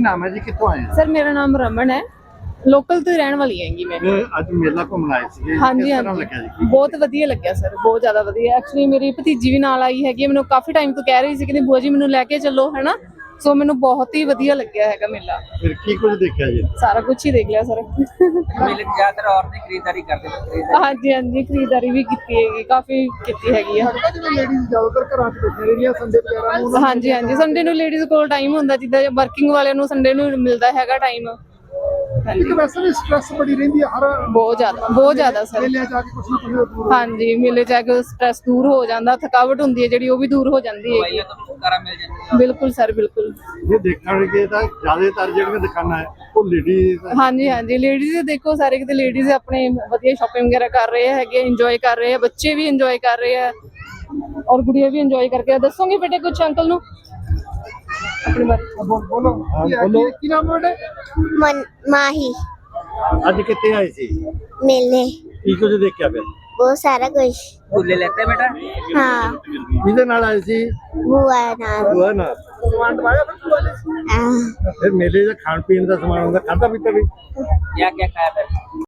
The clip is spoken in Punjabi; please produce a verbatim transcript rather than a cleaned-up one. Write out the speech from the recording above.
ਨਾਮ ਹੈ ਜੀ, ਕਿੱਥੋਂ ਆਏ? ਸਰ ਮੇਰਾ ਨਾਮ ਰਮਨ ਹੈ, ਲੋਕਲ ਤੋਂ ਰਹਿਣ ਵਾਲੀ ਹੈਗੀ ਮੈਂ। ਅੱਜ ਮੇਲਾ ਘੁੰਮਣ ਆਏ ਸੀਗੇ, ਹਾਂਜੀ ਕਿਸ ਤਰ੍ਹਾਂ ਹਾਂਜੀ ਲੱਗਿਆ ਜੀ? ਬਹੁਤ ਵਧੀਆ ਲੱਗਿਆ ਸਰ, ਬਹੁਤ ਜ਼ਿਆਦਾ ਵਧੀਆ। ਐਕਚੁਅਲੀ ਮੇਰੀ ਭਤੀਜੀ ਵੀ ਨਾਲ ਆਈ ਹੈਗੀ, ਮੈਨੂੰ ਕਾਫੀ ਟਾਈਮ ਤੋਂ ਕਹਿ ਰਹੀ ਸੀ ਕਿ ਭੂਆ ਜੀ ਮੈਨੂੰ ਲੈ ਕੇ ਚੱਲੋ, ਹੈ ਨਾ। ਸੋ ਮੈਨੂੰ ਬਹੁਤ ਹੀ ਵਧੀਆ ਲੱਗਿਆ ਹੈਗਾ ਮੇਲਾ। ਫਿਰ ਕੀ ਕੁਝ ਦੇਖਿਆ ਜੀ? ਸਾਰਾ ਕੁਝ ਹੀ ਦੇਖ ਲਿਆ ਸਰ। ਮੇਲੇ ਚ ਜ਼ਿਆਦਾਤਰ ਔਰਤਾਂ ਖਰੀਦਦਾਰੀ ਕਰਦੇ ਨੇ। ਹਾਂਜੀ ਹਾਂਜੀ ਖਰੀਦਦਾਰੀ ਵੀ ਕੀਤੀ ਹੈਗੀ, ਕਾਫੀ ਕੀਤੀ ਹੈਗੀ ਆ। ਜਿਵੇਂ ਲੇਡੀਜ਼ ਜ਼ਿਆਦਾਤਰ ਘਰਾਂ 'ਚ ਬੈਠੀਆਂ ਰਹਿੰਦੀਆਂ ਸੰਡੇ ਵਗੈਰਾ ਨੂੰ। ਹਾਂਜੀ ਹਾਂਜੀ ਸੰਡੇ ਨੂੰ ਲੇਡੀਜ਼ ਕੋਲ ਟਾਈਮ ਹੁੰਦਾ, ਜਿੱਦਾਂ ਵਰਕਿੰਗ ਵਾਲਿਆਂ ਨੂੰ ਸੰਡੇ ਨੂੰ ਮਿਲਦਾ ਹੈਗਾ ਟਾਈਮ। ਇੱਕ ਵੈਸੇ ਵੀ ਸਟ੍ਰੈਸ ਬੜੀ ਰਹਿੰਦੀ ਹੈ ਹਰ ਬਹੁਤ ਜ਼ਿਆਦਾ ਬਹੁਤ ਜ਼ਿਆਦਾ ਸਰ। ਮੇਲੇ ਜਾ ਕੇ ਕੁਛ ਨਾ ਕੁਛ ਦੂਰ ਹਾਂਜੀ ਮੇਲੇ ਜਾ ਕੇ ਸਟ੍ਰੈਸ ਦੂਰ ਹੋ ਜਾਂਦਾ, ਥਕਾਵਟ ਹੁੰਦੀ ਹੈ ਜਿਹੜੀ ਉਹ ਵੀ ਦੂਰ ਹੋ ਜਾਂਦੀ ਹੈ। ਛੁਟਕਾਰਾ ਮਿਲ ਜਾਂਦਾ। ਬਿਲਕੁਲ ਸਰ ਬਿਲਕੁਲ। ਜੇ ਦੇਖਣਗੇ ਤਾਂ ਜ਼ਿਆਦਾਤਰ ਜਿਹੜੀਆਂ ਦੁਕਾਨਾਂ ਹੈ ਉਹ ਲੇਡੀਜ਼। ਹਾਂਜੀ ਹਾਂਜੀ ਲੇਡੀਜ਼ ਦੇਖੋ, ਸਾਰੇ ਕਿਤੇ ਲੇਡੀਜ਼ ਆਪਣੇ ਵਧੀਆ ਸ਼ਾਪਿੰਗ ਵਗੈਰਾ ਕਰ ਰਹੇ ਹੈਗੇ, ਇੰਜੋਏ ਕਰ ਰਹੇ ਆ, ਬੱਚੇ ਵੀ ਇੰਜੋਏ ਕਰ ਰਹੇ ਆ ਔਰ ਗੁੜੀਆ ਵੀ ਇੰਜੋਏ ਕਰਕੇ। ਦੱਸੋਗੇ ਬੇਟੇ ਕੁਛ ਅੰਕਲ ਨੂੰ ਆਪਣੇ ਬਾਰੇ? ਬੋਲੋ ਬੋਲੋ, ਕੀ ਨਾਮ ਹੈ ਤੁਹਾਡਾ? ਮਾਹੀ। ਅੱਜ ਕਿੱਥੇ ਆਏ ਸੀ? ਮੇਲੇ ਕੀ ਕੁਝ ਦੇਖਿਆ ਫਿਰ? ਬਹੁਤ ਸਾਰਾ ਕੁਝ। ਝੂਲੇ ਲੈਤੇ ਬੇਟਾ? ਹਾਂ ਕਿਹਦੇ ਨਾਲ ਆਏ ਸੀ? ਬੁਆ ਨਾਲ। ਭੂਆ ਨਾਲ। ਹਾਂ। ਫਿਰ ਮੇਲੇ ਦਾ ਖਾਣ ਪੀਣ ਦਾ ਸਮਾਨ ਹੁੰਦਾ, ਖਾਧਾ ਪੀਤਾ ਵੀ? क्या क्या खाया फिर?